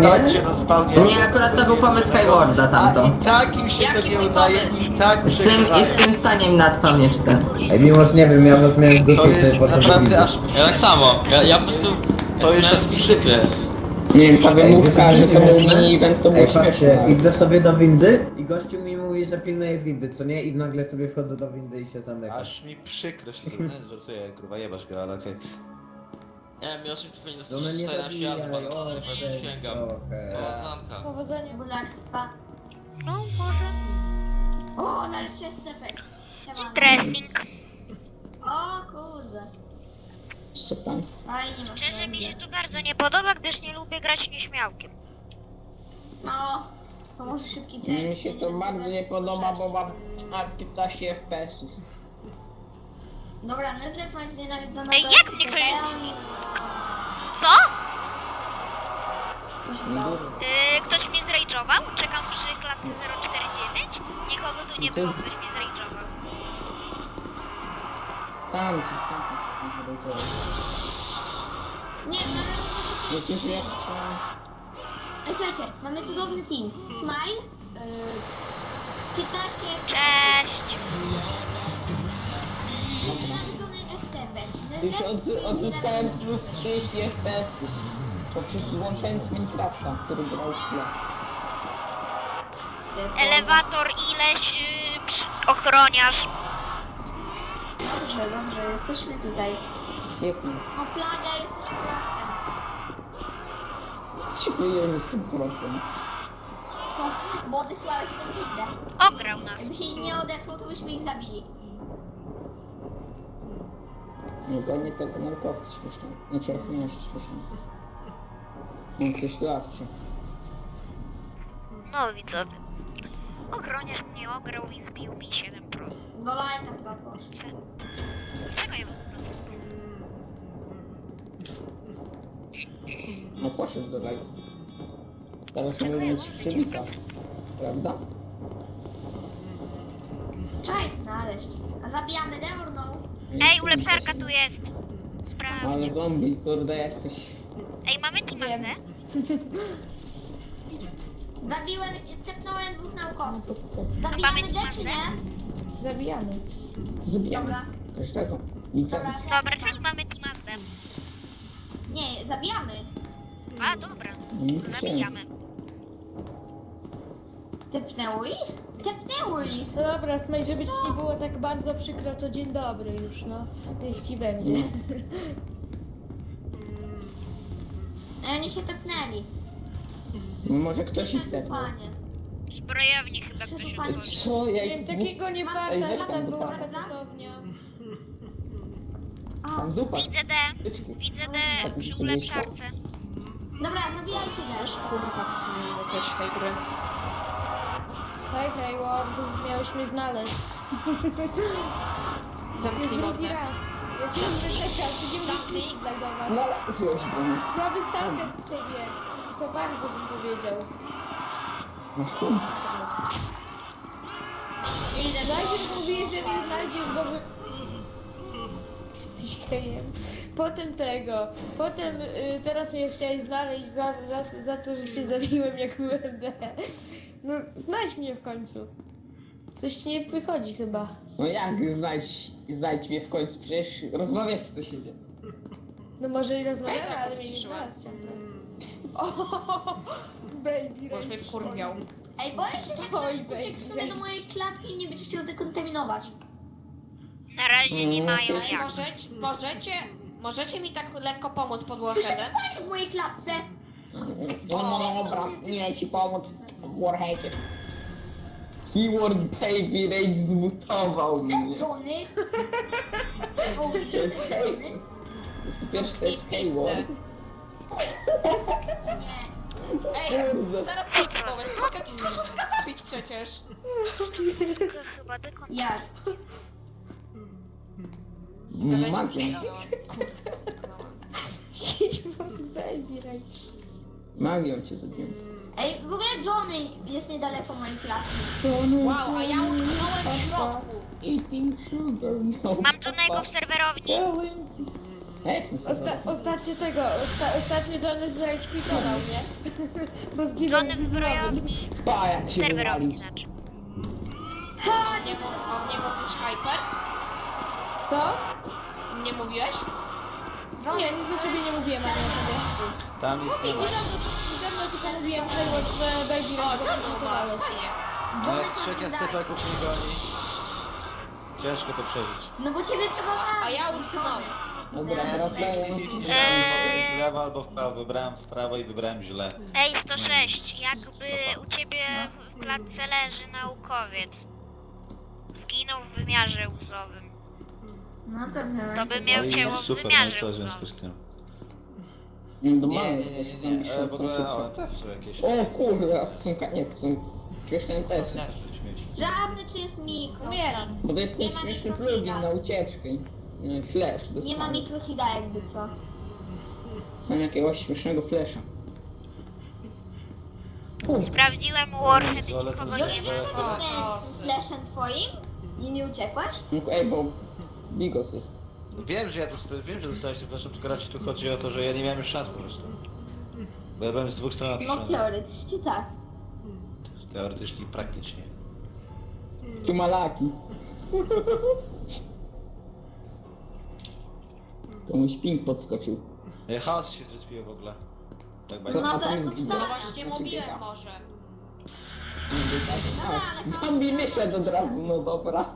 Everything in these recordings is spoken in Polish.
zostańcie na spawnie. Nie, akurat to był pomysł Skywarda tamto. A i tak im się to Jaki nie mój udaje pomysł? i tak Z przegrywają. tym staniem na spawnie 4. Ej, mimo że nie wiem, ja was miałem w dupie To i sobie jest poszedłem naprawdę widzę. aż... Ja tak samo, ja po prostu... To już jest przykre. Nie wiem, ta wymówka, Ej, że to był śmieszne? mini event, to było Ej, patrzcie, śmieszne. idę sobie do windy i gościu mi mówi, że pilnuje windy, co nie? I nagle sobie wchodzę do windy i się zamykam. Aż mi przykro się zrobiło. Nie, żartuję, kurwa jebasz go, ale okej. Nie wiem, Miłoszek tu powinien No dostać nie 14 razy, zabijaj, bo o, sięgam. trochę. O, zamka. Powodzenia. Bularstwa. No, może. O, nareszcie jest stepek. Siemano. Interesting. O kurde. Super. Fajnie masz. Szczerze mi się to bardzo nie podoba, gdyż nie lubię grać nieśmiałkiem. No, to może szybki Mi trening. się to bardzo nie podoba, bo mam aż 15 FPS-ów. Dobra, Nezlep ma znienawidzonego... Ej, jak mnie ktoś... Co? Co się stało? Ktoś mnie zrajdżował? Czekam przy klatce 049. Nikogo tu nie było, ktoś mnie zrajdżował. Tam ci skąd. Nie, mamy... Jakieś jeszcze... Ej, słuchajcie, mamy cudowny team. Smile, 15... Cześć! Nienawidzony STB. Już odzyskałem plus 30 FPS-ów. Poprzez włączając Minecrafta, który grał w tle. Elewator ileś, ochroniarz. Dobrze, dobrze, jesteśmy tutaj. Jestem. O, plaga, jesteś prosem. Ci wyjęli z prostem. Bo odesłałeś tą windę. Ograł nas. Jakby się nie odesłał, to byśmy ich zabili. Nie gonię tego naukowca śmiesznego. Znaczy ochroniarza śmiesznego. On coś ławczy. No widzowie. Ochroniarz mnie ograł i zbił mi 7%. Do lajka chyba poszło. Dlaczego ja po prostu? No poszedł do live. Teraz mogę mieć przywita. Prawda? Trzeba ich znaleźć. A zabijamy the or no? Ej, ulepszarka tu jest. Ale Sprawdź. zombie, kurde jesteś. Ej, mamy teamazę? Zabiłem, tepnąłem dwóch naukowców. Mamy Zabijamy the teamazę? czy nie? Zabijamy. Zabijamy. Dobra. Każdego. Nic. Dobra. Dobra, czyli mamy teamazę. Nie, zabijamy. A, dobra. Zabijamy. Tepnęło ich? Tepnęło ich. No dobra, Smaj, żeby ci nie było tak bardzo przykro, to dzień dobry już, no. Niech ci będzie. A oni się tepnęli. Może ktoś ich tepnął. Panie. Zbrojownie chyba ktoś Przepraszam. otworzył. Co? Ja Miałem ich takiego nie farta, że weź tam tam była dupa. pecetownia. A, Tam dupa. Widzę D. Widzę D przy ulepszarce. dobra, zabijajcie Też też. kurwa, co zmieniło coś w tej gry. Hej, hej, Ward, miałeś mnie znaleźć. Zamknij Drugi mordę. raz. Ja cię nie czekam, ty nie musisz No znajdować. ale złoś do mnie. Słaby stalker z ciebie. I to bardzo bym powiedział. Masz tu? Najpierw mówiłeś, że mnie znajdziesz, bo wy... Jesteś gejem. Potem tego. Potem teraz mnie chciałeś znaleźć za to, że cię zabiłem jak byłem D. No znajdź mnie w końcu. Coś ci nie wychodzi chyba. No jak znajdź mnie w końcu? Przecież rozmawiać do siebie. No może i rozmawiamy, Ej, tak, ale mnie nie odciszyłem. znalazł ciągle. O, baby, Boż mnie wkurwiał. Ej, boję się, że ktoś Oj, uciekł w baby. sumie do mojej klatki i nie będzie chciał zdekontaminować. Na razie nie mają Ej, jak. możecie mi tak lekko pomóc pod Słyszę Warheadem? panie w mojej klatce. No dobra, nie ci pomóc w Warheadzie. Keyword Baby Rage zmutował To mnie. jest Johnny. O, To jest jest hej. Johnny. Po pierwsze to jest Keyword. Nie. Ej, Kurde. zaraz ci powiem. Mogę ci strasznie zabić przecież. Chyba dekon... Jak? Magią. baby, rajcz. Magią cię zabiłem. Ej, w ogóle Johnny jest niedaleko mojej klatki. Wow, a ja utknąłem w środku. Eating sugar, no. Mam Johnego w serwerowni. Ja jestem serwerowym. Ostatnio Johnny zrage-quitował, nie? Bo zginął Johnny w zbrojowni. Pa, jak się Serwerowni wywalił. znaczy. Nie mówisz Hyper? Co? Nie mówiłeś? Nie, nic do ciebie nie mówiłem, ani o tobie. Tam jest nie ma. Niedawno tylko mówiłem Hayward, że Baby O, Run go Johnny umarł, zrage-quitowałeś. fajnie. No jak trzecia stefaków nie goni. Ciężko to przeżyć. No bo ciebie trzeba A ja utknąłem. Dobra, wracając. W lewo albo w prawo. Wybrałem w prawo i wybrałem źle. Ej, 106, jakby u ciebie w klatce leży naukowiec. Zginął w wymiarze łzowym. No to wiem. To by No miał i ciało w super, no i wymiarze co w związku łzowym. z tym? No Nie, mamy w ogóle też są jakieś... O kurde, odsunka, nie odsunka. Śmieszny też. Nie, rzuć mieć. Sprawdzę, czy jest mikro. Umieram. Bo to jest ten Nie ma śmieszny mikrofida. plugin na ucieczkę. Flash, Nie ma dostałem. mikrohida jakby co. Są jakiegoś śmiesznego flasha. Kurde, Sprawdziłem Warhead i Ale to nikogo jest- nie ma. O, czosy. Flashem twoim? I mi uciekłaś? ej, bo Bigos jest. Wiem, że wiem, że dostałeś tym fleszem, tylko raczej tu chodzi o to, że ja nie miałem już szans po prostu. Bo ja byłem z dwóch stron No otoczony. teoretycznie tak. Teoretycznie i praktycznie. Tu malaki. To mój ping podskoczył. Chaos się zrespił w ogóle. Tak Co? bardzo. No A to tam jak jest to No Bigos. właśnie mówiłem może. A, zombie wyszedł od razu, no dobra.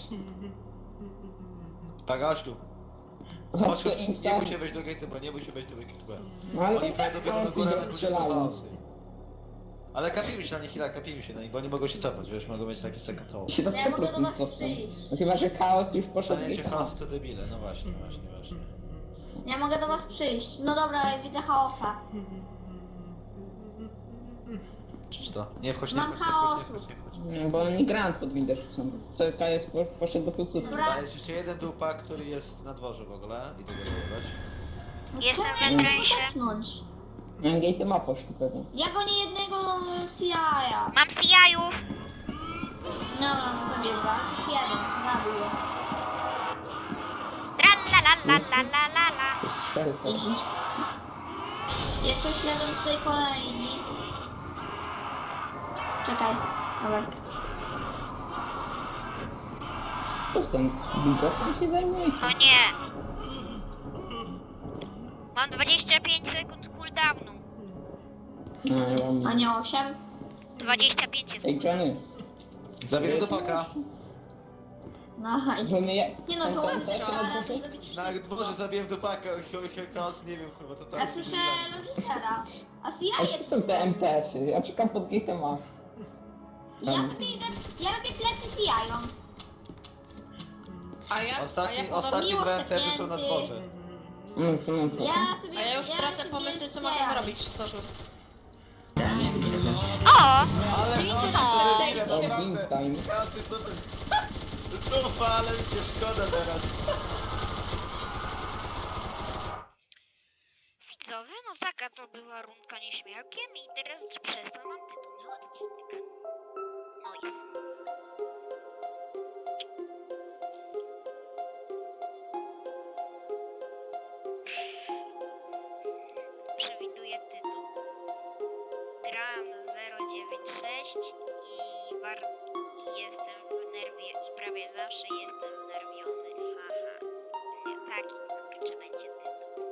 Tak, chodź tu. Chodź, Chodź, co chodź, nie insta. bój się wejść do gate'u, bo nie bój się wejść do gate'u. No ale Oni i wejdą tak dopiero na chaos górę, i na górze są strzelają. chaosy. Ale kapimy się na nich, tak, kapimy się na nich, bo oni mogą się cofać, wiesz, mogą mieć taki second call. Się do Ja mogę do 100% was cofną. przyjść. No chyba, że chaos już poszedł Staniecie w chaosy to debile, no właśnie, właśnie. Ja mogę do was przyjść. No dobra, ja widzę chaosa. Czy to? Nie wchodź, nie Mam wchodź, nie chaosu. wchodź, nie wchodź. No, bo oni grant pod windę rzucą. CK jest poszedł do kuców. Dobra. A jest jeszcze jeden dupa, który jest na dworze w ogóle. Idę go zabrać. No Jestem czemu we ja nie Bręsie. mogę tepnąć? Gate ma poszli pewnie. Ja gonię jednego CIA. Mam CI-ów. Dobra, no to wiesz, jeden. Zabił je. Tralalalalalalala. To jest strzelca. Jeździć. Jakoś jadą tutaj kolejni. Czekaj, dawaj. Ktoś tam Bigosem się zajmuje? O nie. Mam 25 sekund cooldownu. No, ja mam... A nie 8? 25 jest. Ej, Johnny. Zabiję dupaka. Nice. Johnny, ja... Nie no, to tam ładnie, tam ale tam- zrobić Na wszystko. dworze zabiję dupaka, chaos, nie wiem kurwa, to Ja słyszę reżysera. A A CIA gdzie jest są te MTF-y? Ja czekam pod gate'em A. Ja sobie idę, ja robię plecy CIA-om. Ostatni miło dwa MTF-y są na szczepnięty. dworze. No, co mam to? Ja sobie... A ja już tracę sobie pomysły, co CIA. mogę robić w 106. O! Ale O, naprawdę. Game Time. Ja, ty co ty? Dupa, ale mi cię szkoda teraz. Widzowie, no taka to była rundka nieśmiałkiem i teraz przez to mam tytuł na odcinek. Noise. Przewiduję tytuł. Gram 096 i jestem w nerwie i prawie zawsze jestem wnerwiony. Haha. Nie, taki kurczę będzie tytuł.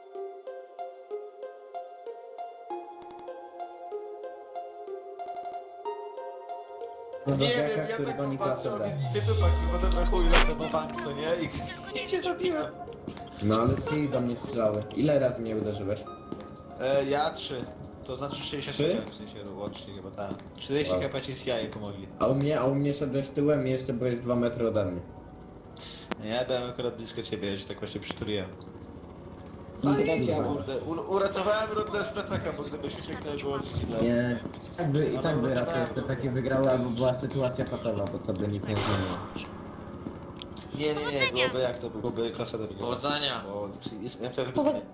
Nie wiem, ja tak popatrzę, a mi dupa kurwa dobra chuj lecę po bank, co nie? I cię zabiłem. No ale ty do mnie strzały. Ile razy mnie uderzyłeś? Ja 3. To znaczy 60 Trzy? kp, w sensie łącznie chyba tak. 40 Wow. kp ci z jaj pomogli. A u mnie szedłeś tyłem i jeszcze byłeś 2 metry ode mnie. Nie, ja byłem akurat blisko ciebie, ja się tak właśnie przytuliłem. No, No to tak i działa. kurde, uratowałem rundę z Pepeka, bo gdyby się śmiechnęło było źle. Nie. I tak by raczej SCP wygrały, albo była sytuacja patowa, bo to by nic nie zmieniło. Nie, byłoby jak to byłoby klasa do Powodzenia. Bo jest MTF Powodzenia.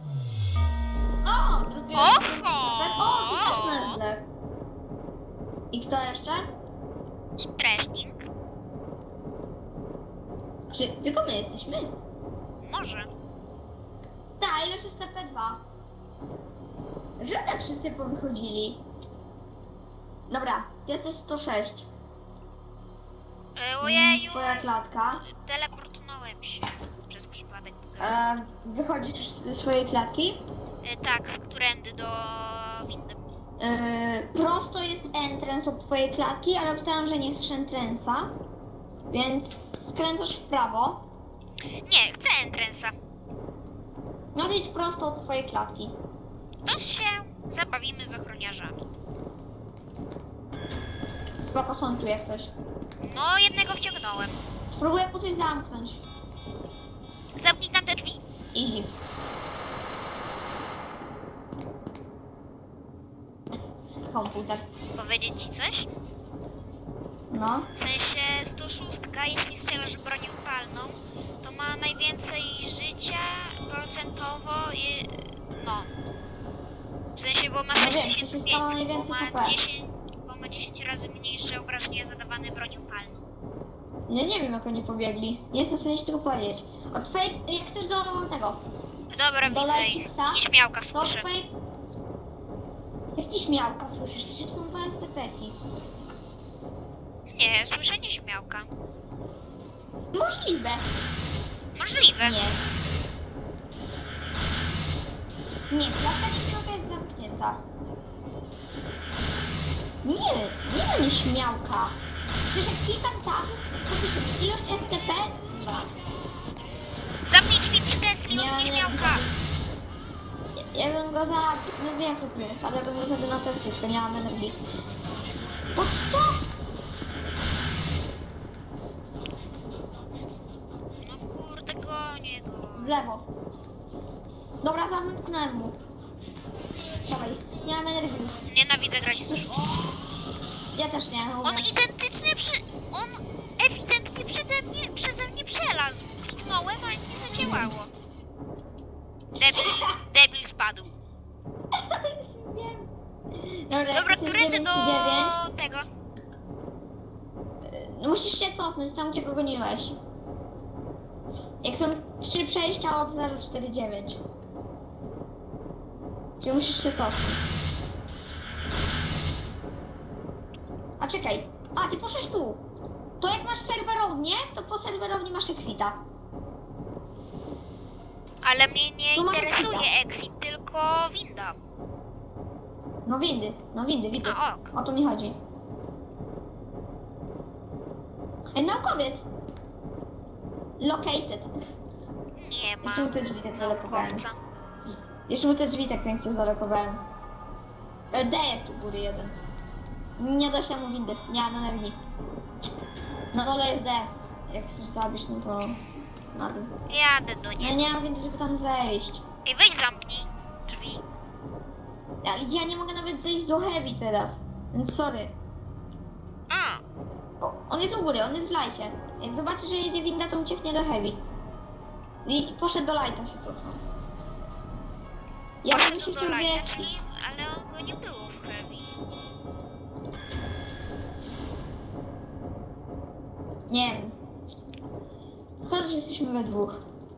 O, drugi Oho! O, ty też mężle. I kto jeszcze? I Trashing. Czy tylko my jesteśmy? Może. Tak, ilość STP2. Że tak wszyscy powychodzili. Dobra, jesteś 106. Ojeju, Twoja klatka. teleportowałem się przez przypadek. Wychodzisz ze swojej klatki. Tak, którędy do windy. Prosto jest entrance od twojej klatki, ale obstawiam, że nie chcesz entrance'a. Więc skręcasz w prawo. Nie, chcę entrance'a. No idź prosto od twojej klatki. To się zabawimy z ochroniarzami. Spoko, są tu jak coś. No, jednego wciągnąłem. Spróbuję po coś zamknąć. Zamknij tam te drzwi. Easy. Komputer. Powiedzieć ci coś? No. W sensie 106, jeśli strzelasz bronią palną, to ma najwięcej życia procentowo i... no. W sensie, bo ma No wiem, 6500, 106 ma najwięcej HP. bo ma 10 razy mniejsze obrażenia zadawane bronią palną. Ja nie wiem jak oni pobiegli. Nie jestem w stanie ci tego powiedzieć. Od twojej... Jak chcesz do tego... Dobra, Do widzę ich. Lejcica? Nieśmiałka To słyszę. twojej... Jak ci śmiałka słyszysz? Przecież są dwa STP-ki. Nie, słyszę nieśmiałka. Możliwe. Możliwe. Nie. Nie, klatka nieśmiałka jest zamknięta. Nie ma nieśmiałka. Przecież jak klikam tam, to pisze ilość STP 2. Zamknij drzwi przy Tesli, Nie, od nie. nieśmiałka. Ja bym go za... No wiem jak to jest, ale ja bym go zabił na Tesli, tylko nie mam energii. Po co? No kurde, gonię go. W lewo. Dobra, zamknąłem mu. Dawaj, nie mam energii już. Nienawidzę grać z dużo. Ja też nie, On umiem. On ewidentnie przeze mnie przelazł. Kliknąłem, a nie zadziałało. Debil spadł. Wiem. Dobra, Dobra, jak jesteś którędy 9 do czy 9, tego? no musisz się cofnąć tam, gdzie go goniłeś. Jak są 3 przejścia od 049. Czyli musisz się cofnąć. A czekaj. A, ty poszłeś tu. To jak masz serwerownię, to po serwerowni masz exita. Ale mnie nie Tu masz interesuje exita. exit, tylko winda. No windy. A ok. O to mi chodzi. Ej, naukowiec! Located. Nie ma. Jeszcze mu te drzwi tak zalokowałem. naukowca. Jeszcze mu te drzwi tak pięknie zalokowałem. D jest u góry jeden. Nie doślę mu windy, nie mam energii. Na dole jest D. Jak chcesz zabić, no to... na dół. Jadę do Ja niej. nie mam windy, żeby tam zejść. Ej, weź zamknij drzwi. Ja nie mogę nawet zejść do heavy teraz. Więc sorry. A, O, on jest u góry, on jest w lajcie. Jak zobaczy, że jedzie winda, to ucieknie do heavy. I poszedł do lighta się cofnął. Ja bym się do chciał lighta, wietrzyć. czyli- ale on go nie było w heavy. Nie wiem. Chodź, że jesteśmy we dwóch.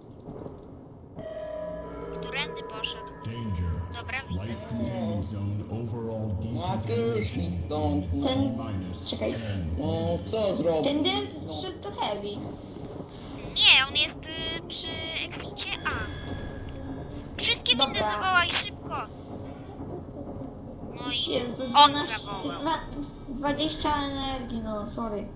Którędy poszedł? Danger. Dobra, widzę. Light containment zone overall No a ty już mi decontamination. stąd. Ten... Minus Czekaj. 10. No co zrobić? Ten D szedł do heavy. Nie, on jest przy exicie A. Wszystkie windy Dobra. zawołaj szybko. No i Jezu, on 12, zawołał. 20 energii, no sorry.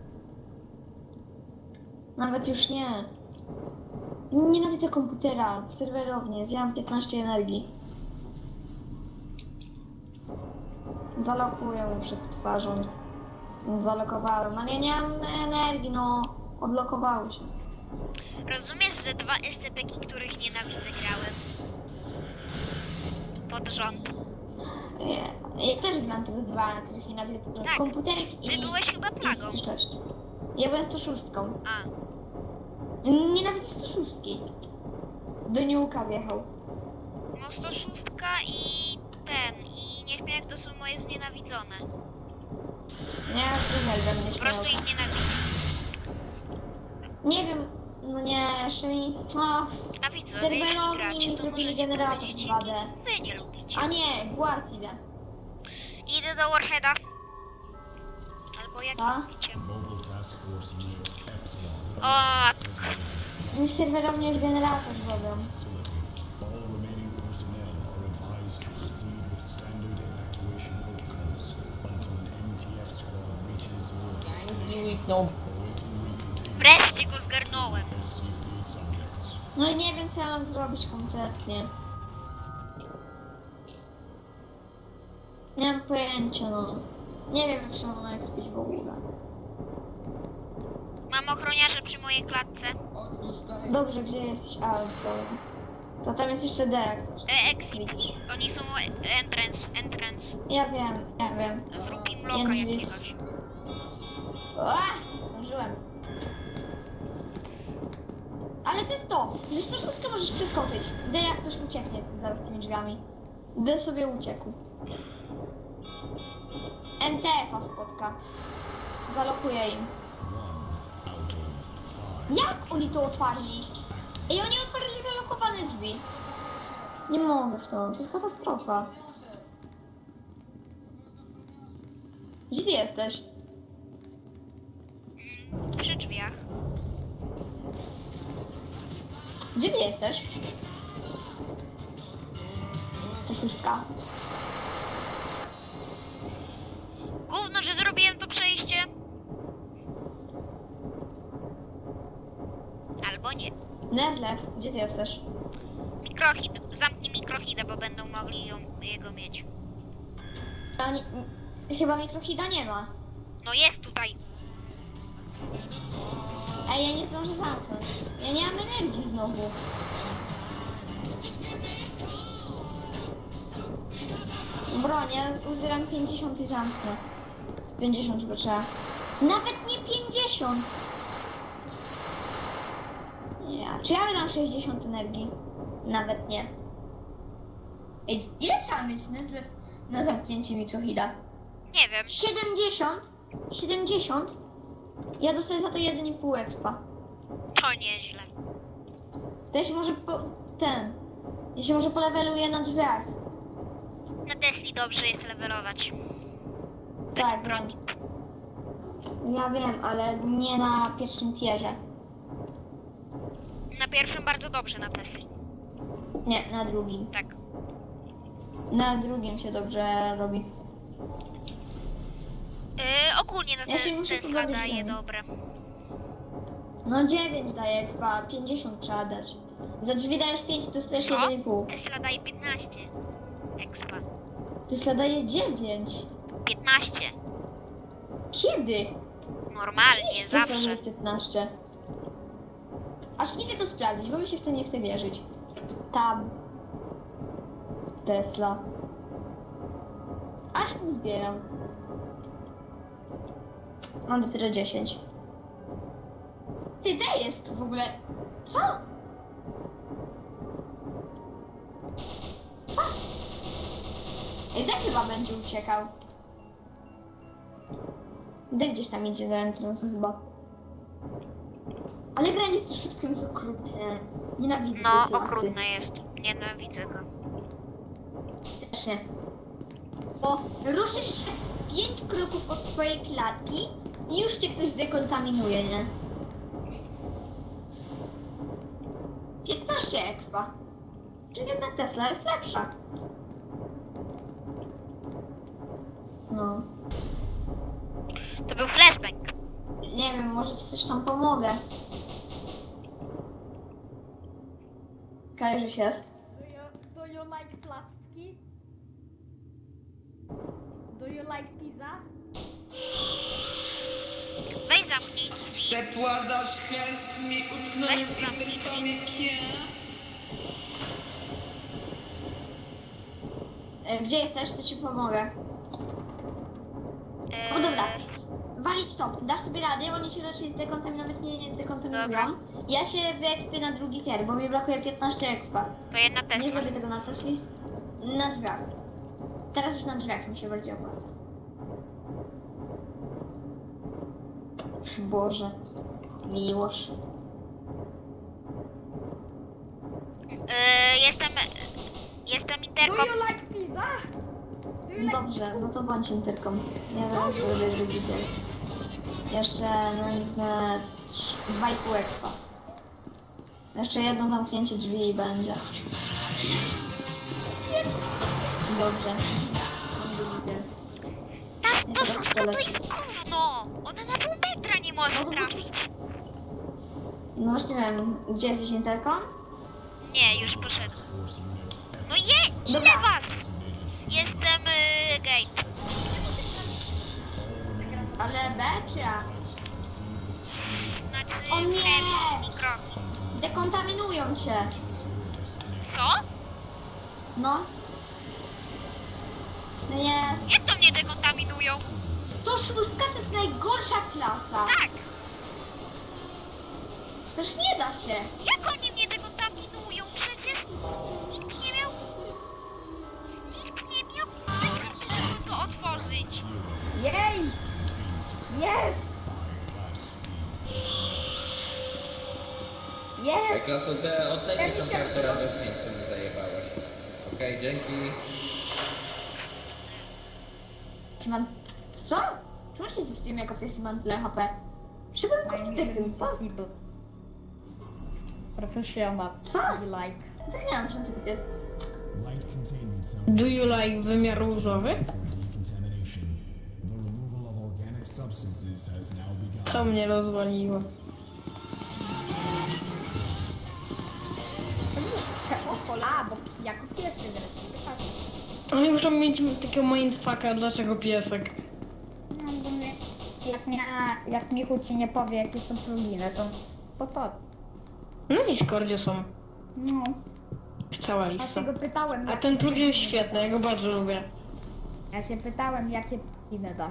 Nawet już nie. Nienawidzę komputera w serwerowni, zjadam 15 energii. Zalokuję mu przed twarzą. Zalokowałem, ale ja nie mam energii, no. Odlokowały się. Rozumiesz, że 2 STP-ki, których nienawidzę, grałem? Pod rząd. Ja też gram teraz 2, których nienawidzę. Tak. Komputerek Ty i... byłeś chyba plagą. i 6. Ja byłem 106. A, Nienawidzę 106. Do Niuka zjechał. no 106 i ten, i niech mnie jak to są moje znienawidzone. Nie, uwielbiam mnie Po prostu śmiałka. ich nienawidzę. Nie wiem, no nie, jeszcze mi... O, A widzę widzowie, jeśli Serwerowni gracie, mi to zrobili możecie generator powiedzieć, 2D. wy nie lubicie. A nie, Guard idę. Idę do Warheada. Albo jak A? lubicie. Mobile Task Force Unit Epsilon. O, Mi serwerowni już generator zrobią. Facility. All remaining personnel are advised to proceed with standard evacuation protocols until an MTF squad reaches your destination. Awaiting recontainment wreszcie go zgarnąłem. SCP subjects. No i nie wiem co ja mam zrobić kompletnie. Nie mam pojęcia, no. Nie wiem jak się mam ekspić w ogóle. Mam ochroniarza przy mojej klatce. Dobrze, gdzie jesteś? A, to tam jest jeszcze D jak coś. Exit. Oni są entrance. Ja wiem. Zrób im loka Jędrzej. jakiegoś. Zdążyłem. Ale to jest to, że 106 możesz przeskoczyć. D jak coś ucieknie zaraz tymi drzwiami. D sobie uciekł. MTF-a spotka. Zalokuję im. Out of 5. Jak oni to otwarli? Ej, oni otwarli zalokowane drzwi. Nie mogę w to jest katastrofa. Gdzie ty jesteś? Przy drzwiach. Gdzie ty jesteś? To 6. Gówno, że zrobiłem to przejście. Albo nie. Nezlew, gdzie ty jesteś? Mikrohid. Zamknij mikrohida, bo będą mogli jego mieć. A nie, chyba mikrohida nie ma. No jest tutaj. Ej, ja nie zdążę zamknąć. Ja nie mam energii znowu. Broń, ja uzbieram 50 i zamknę. Z 50 chyba trzeba. Nawet nie 50! Ja, czy ja wydam 60 energii? Nawet nie. Ej, ile trzeba mieć na zamknięcie mikrohida? Nie wiem. 70? 70? Ja dostaję za to 1,5 expa. To nieźle. To ja się może ja się może poleweluję na drzwiach. Na Tesli dobrze jest levelować. Tak, Broń. Ja wiem, ale nie na pierwszym tierze. Na pierwszym bardzo dobrze na Tesli. Nie, na drugim. Tak. Na drugim się dobrze robi. Ogólnie na Ja się muszę Tesla pobawić daje dalej. dobre. No 9 daje expa, 50 trzeba dać. Za drzwi dajesz 5, to dostajesz 1,5. Tesla daje 15. Expa. Tesla daje 9. 15. Kiedy? Normalnie, Tesla zawsze. daje 15. Aż idę to sprawdzić, bo mi się w to nie chce wierzyć. Tab. Tesla. Aż zbieram. Mam dopiero 10. Ty dajesz tu w ogóle. Co? Co? Ej, tak chyba będzie uciekał. Daj gdzieś tam idzie do entrance'u chyba. Ale granice wszystkim jest okrutne. Nienawidzę No, tej klasy. okrutne jest. Nienawidzę go. Też nie. Bo ruszysz się 5 kroków od twojej klatki i już cię ktoś dekontaminuje, nie? 15 expa. Czyli jednak Tesla jest lepsza. No. To był flashbang. Nie wiem, może ci coś tam pomogę. Kajarzyś jest. Do you like placki? Do you like pizza? Weź zamknij drzwi. Ciepła dasz mi utknąłem Weź zamknij i drzwi. komik, Gdzie jesteś, to ci pomogę. No dobra. Walić to. Dasz sobie radę, oni cię raczej zdekontaminować nie zdekontaminują. Dobra. Ja się wyekspię na drugi tier, bo mi brakuje 15 expa. To jedna Nie Tesla. zrobię tego na Tesli. Na drzwiach. Teraz już na drzwiach mi się bardziej opłaca. Boże. Miłość. Jestem interkom. like pizza? Dobrze, no to bądź interką. Ja zaraz będę widzę. Jeszcze nędzne 2,5 expa. Jeszcze jedno zamknięcie drzwi i będzie. Dobrze. To jest gówno! Ona na pół metra nie może trafić. No właśnie wiem, gdzie jesteś interką? Nie, już poszedł. No ile was? Jestem gate. Ale B czy A? Znaczy O nie! mikro. Dekontaminują się. Co? No. No nie. Jak to mnie dekontaminują? 106 to jest najgorsza klasa. Tak! Przecież nie da się. Jak oni mnie dekontaminują? Przecież nikt nie miał... Nikt nie miał... żeby to otworzyć. Jej! Jest! Jest! Klaso, oddaj mi tą kartę radiopięć, co mi zajebałaś. Okej, dzięki. Czy mam... Co? Czemu się zespiłem jako pies i mam tyle HP? Przybyłem kopitym, co? Professional. Co? Like. Tak nie mam szansy pies. Light containment zone Do you like wymiar różowy? for decontamination. The removal of organic substances has now begun. To mnie rozwaliło. A, bo jako pies się zresztą. Oni muszą mieć takiego mindfucka, dlaczego piesek? No bo mnie, jak Michu ci nie powie jakie są pluginy, to Na Discordzie są. no. Cała Ja lista. się go pytałem, A ten plugin jest świetny, ja go bardzo lubię. ja się pytałem jakie pluginy da.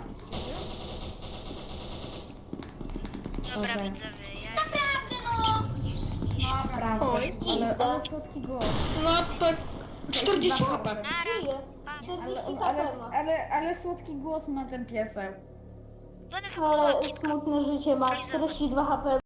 Dobra, Okej. widzowie, ja... Naprawdę no! Naprawdę, Oj, ale słodki głos. No tak 40 HP. Nara. Ale słodki głos ma ten piesek. One są Smutne życie ma 42 HP.